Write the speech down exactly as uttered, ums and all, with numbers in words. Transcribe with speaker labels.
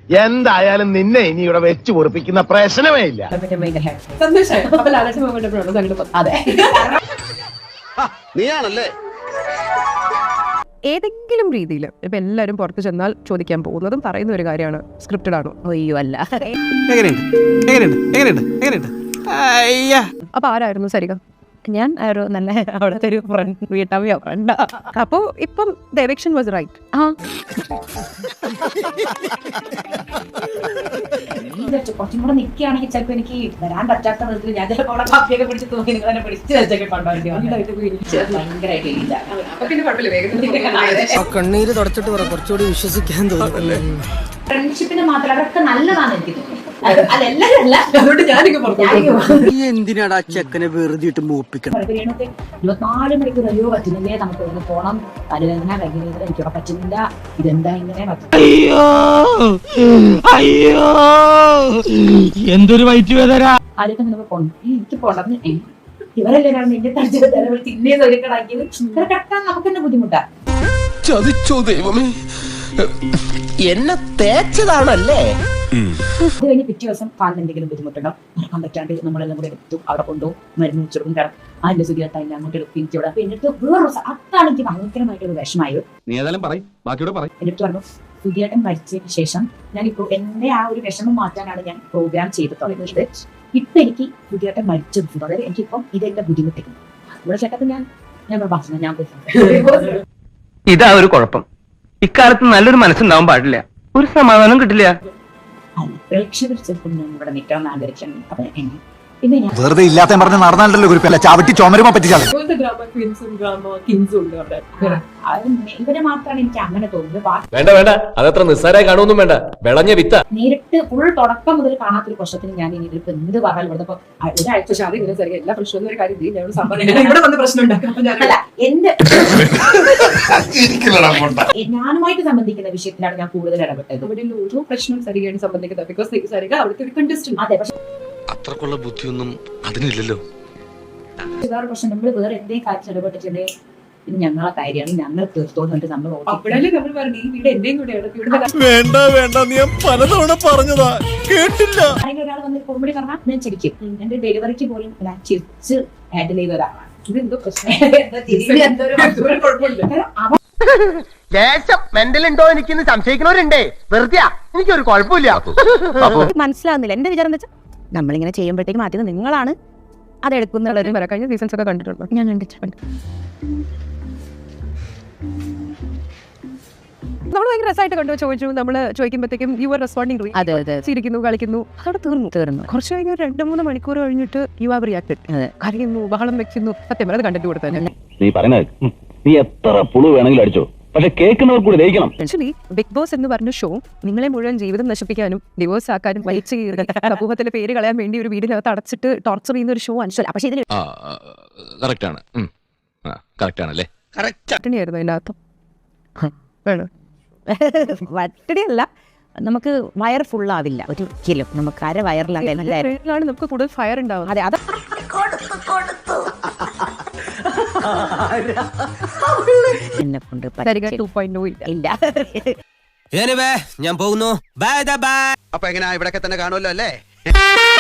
Speaker 1: എന്തായാലും നിന്നെ ഇനി ഇവിടെ വെച്ച് പൊറിപ്പിക്കുന്ന പ്രശ്നമേ ഇല്ല.
Speaker 2: നീയാണല്ലേ?
Speaker 3: ഏതെങ്കിലും രീതിയിൽ ഇപ്പൊ എല്ലാരും പുറത്ത് ചെന്നാൽ ചോദിക്കാൻ പോകുന്നതും പറയുന്ന ഒരു കാര്യമാണ് സ്ക്രിപ്റ്റഡ് ആണോ? അയ്യോ അല്ല. അപ്പൊ ആരായിരുന്നു സരിക?
Speaker 4: ഞാൻ ഒരു നല്ല അവിടുത്തെ ഒരു ഫ്രണ്ട് വീട്ടമ്മയോ ഫ്രണ്ട്.
Speaker 3: അപ്പോ ഇപ്പം ഡയറക്ഷൻ വാസ് റൈറ്റ്.
Speaker 4: ആ
Speaker 5: കുറച്ചും കൂടെ നിൽക്കുകയാണെങ്കിൽ ചിലപ്പോ എനിക്ക് വരാൻ പറ്റാത്ത വിധത്തിൽ ഞാൻ ചിലപ്പോൾ അവിടെ കാപ്പിയൊക്കെ പിടിച്ച് തൂക്കി നിങ്ങൾ തന്നെ പിടിച്ച് വെച്ചൊക്കെ ഭയങ്കരമായിട്ട്
Speaker 6: കണ്ണീര് തുടച്ചിട്ട് പറ, കുറച്ചുകൂടി വിശ്വസിക്കാൻ തോന്നുന്നല്ലേ.
Speaker 5: ഫ്രണ്ട്ഷിപ്പിന് മാത്രം അതൊക്കെ നല്ലതാണ് എനിക്ക് തോന്നുന്നത്.
Speaker 6: എന്തിനാടാ ചെക്കനെ വെറുതെ ഇട്ട് മൂപ്പിക്കണം?
Speaker 5: ഇരുപത്തിനാല് മണിക്കൂർ അയ്യോ പറ്റുന്നില്ലേ, നമുക്ക് ഒന്ന് പോണം, തലവേദന കൈവേദന എനിക്കവിടെ പറ്റുന്നില്ല, ഇതെന്താ ഇങ്ങനെ
Speaker 7: അയ്യോ അയ്യോ എന്തൊരു വയറ്റ് വേദന.
Speaker 5: ആദ്യമൊക്കെ നമുക്ക് പോകണം, എനിക്ക് പോകണം. ഇവരല്ലേ നിന്റെ തടിച്ചത് തലവഴി തിന്നേ തൊലിക്കടാക്കിയത്. ഇവരെ കെട്ടാൻ നമുക്ക് തന്നെ ബുദ്ധിമുട്ടാ.
Speaker 2: ചതിച്ചോ ദൈവമേ, എന്നെ തേച്ചതാണല്ലേ?
Speaker 5: അത് കഴിഞ്ഞ് പിറ്റേ ദിവസം കാലിന് എന്തെങ്കിലും ബുദ്ധിമുട്ടുണ്ടോ, നടക്കാൻ പറ്റാണ്ട് നമ്മളെല്ലാം കൂടെ എടുത്തു അവിടെ കൊണ്ടുപോകും, മരുന്ന് വെച്ചെടുക്കും. കാരണം അതിന്റെ സുഖിയത്തായില്ല, അങ്ങോട്ട് എടുക്കും, എനിക്ക് ഇവിടെ. അപ്പൊ എന്നിട്ട് വേറൊരു അതാണ് എനിക്ക് ഭയങ്കരമായിട്ടൊരു വിഷമായത്. എന്നിട്ട് പറഞ്ഞു സുധിയേട്ടൻ മരിച്ചതിന് ശേഷം ഞാനിപ്പോ എന്റെ ആ ഒരു വിഷമം മാറ്റാനാണ് ഞാൻ പ്രോഗ്രാം ചെയ്ത് തുടങ്ങിയത്. ഇപ്പൊ എനിക്ക് സുധിയേട്ടൻ മരിച്ചത് അതായത് എനിക്കിപ്പം ഇതെന്റെ ബുദ്ധിമുട്ടിക്കുന്നു. ഇവിടെ ചേട്ടത്തിൽ ഞാൻ ഞാൻ ഭക്ഷണം ഞാൻ
Speaker 7: ഇതാ ഒരു കുഴപ്പം, ഇക്കാലത്ത് നല്ലൊരു മനസ്സുണ്ടാവാൻ പാടില്ല, ഒരു സമാധാനം കിട്ടില്ല.
Speaker 5: പ്രേക്ഷകർ ചിലപ്പോൾ ഞാൻ ഇവിടെ നിൽക്കാമെന്ന് ആഗ്രഹിക്കുന്നു. അപ്പൊ പിന്നെ ഞാൻ
Speaker 8: വെറുതെ ഇല്ലാത്ത പറഞ്ഞ് നടന്നാലല്ലോ കുറിപ്പല്ല, ചവിട്ടി ചുമരുമ പറ്റിച്ചാലും.
Speaker 5: ഇവരെ മാത്രമാണ് എനിക്ക് അങ്ങനെ തോന്നുന്നത്.
Speaker 9: വേണ്ട വേണ്ട, അതത്ര നിസ്സാരമായി കാണുമൊന്നും വേണ്ട, വിളഞ്ഞ വിത്ത.
Speaker 5: നേരിട്ട് ഫുൾ തുടക്കം മുതൽ കാണാത്തൊരു പ്രശ്നത്തിന് ഞാൻ ഇനി ഇതിപ്പോ എന്ത് പറഞ്ഞാൽ ഇവിടെ ഒരാഴ്ച
Speaker 3: എല്ലാ പ്രശ്നവും ഒരു കാര്യം
Speaker 5: അല്ല എന്റെ ഞാനുമായിട്ട് സംബന്ധിക്കുന്ന വിഷയത്തിലാണ് ഞാൻ കൂടുതൽ ഇടപെട്ടത്.
Speaker 3: ഒരു പ്രശ്നം സരികയാണ് സംബന്ധിക്കുന്നത്. ബിക്കോസ് സരിക അവിടുത്തെ ഒരു കണ്ടസ്റ്റന്റ്.
Speaker 5: അതെ, പക്ഷെ
Speaker 2: അത്രക്കുള്ള ബുദ്ധിയൊന്നും അതിനില്ലല്ലോ.
Speaker 5: വേറെ പ്രശ്നം നമ്മൾ വേറെ എന്തെങ്കിലും കാര്യം ഇടപെട്ടിട്ടുണ്ടെങ്കിൽ ഇത് ഞങ്ങളെ കാര്യമാണ്, ഞങ്ങൾ തീർത്തോന്നിട്ട് നമ്മൾ
Speaker 3: അപ്പോഴല്ലേ നമ്മൾ പറഞ്ഞു ഈ വീട് എന്റെയും കൂടെയാണ്.
Speaker 6: വേണ്ട വേണ്ട, നീ പലതവണ പറഞ്ഞതാ കേട്ടില്ല.
Speaker 5: ഒരാൾ വന്ന് കോമഡി പറഞ്ഞാൽ ഞാൻ ചിരിക്കും. എന്റെ ഡെലിവറിക്ക് പോലും ഞാൻ ചിരിച്ച് ഹാൻഡിൽ ചെയ്ത ഒരാളാണ്.
Speaker 3: ഇതെന്തോ പ്രശ്നം
Speaker 1: മെന്റൽ ഉണ്ടോ എനിക്കിന്ന് സംശയിക്കുന്നവരുണ്ടേ. വെറുതെ എനിക്കൊരു കുഴപ്പമില്ല.
Speaker 4: മനസ്സിലാവുന്നില്ല. എന്റെ വിചാരം എന്താ വെച്ചാൽ നമ്മളിങ്ങനെ ചെയ്യുമ്പോഴത്തേക്കും ആദ്യം നിങ്ങളാണ് അതെടുക്കുന്നുള്ളൊരു
Speaker 3: കഴിഞ്ഞ സീസൺസ് ഒക്കെ കണ്ടിട്ടുണ്ടോ?
Speaker 4: ഞാൻ കണ്ടിട്ടുണ്ട്.
Speaker 3: നമ്മൾ ഭയങ്കര രസമായിട്ട് കണ്ടു ചോദിച്ചു. നമ്മള് ചോദിക്കുമ്പോഴത്തേക്കും യു ആർ റെസ്പോണ്ടിങ്.
Speaker 4: അതെ അതെ,
Speaker 3: ചിരിക്കുന്നു, കളിക്കുന്നു, അതോടെ തീർന്നു തീർന്നു കുറച്ച് കഴിഞ്ഞ് രണ്ട് മൂന്ന് മണിക്കൂർ കഴിഞ്ഞിട്ട് യു ആർ റിയാക്റ്റഡ്. കരയുന്നു, ബഹളം വെക്കുന്നു. സത്യം പറഞ്ഞത് കണ്ടിട്ട് കൊടുത്തത്
Speaker 10: നീ പറയുന്നത് നീ എത്ര പുളു വേണമെങ്കിലും അടിച്ചോ, പക്ഷെ കേൾക്കുന്നവർ കൂടി ദഹിക്കണം.
Speaker 3: ആക്ച്വലി ബിഗ് ബോസ് എന്ന് പറഞ്ഞ ഷോ നിങ്ങളെ മുഴുവൻ ജീവിതം നശിപ്പിക്കാനും ഡിവോഴ്സ് ആക്കാനും വലിച്ചു കീറി സമൂഹത്തിലെ പേര് കളയാൻ വേണ്ടി ഒരു വീടിനകത്ത് അടച്ചിട്ട് ടോർച്ചർ ചെയ്യുന്ന ഒരു ഷോ ആണ്. പക്ഷെ ഇതിൽ വട്ടണിയായിരുന്നു അതിന്റെ അകത്ത്. വേണം
Speaker 4: വട്ടടിയല്ല, നമുക്ക് വയർ ഫുള്ളാവില്ല ഒരിക്കലും. നമുക്ക് അര വയറിലാണ്
Speaker 3: നമുക്ക് കൂടുതൽ ഫയർ ഉണ്ടാവും.
Speaker 4: അതെ, അത് എന്നെ കൊണ്ട്
Speaker 3: ടു പോയിന്റ്
Speaker 4: ഇല്ല.
Speaker 6: ഞാൻ പോകുന്നു. Bye bye.
Speaker 2: അപ്പൊ എങ്ങനെയാ, ഇവിടൊക്കെ തന്നെ കാണുമല്ലോ അല്ലേ?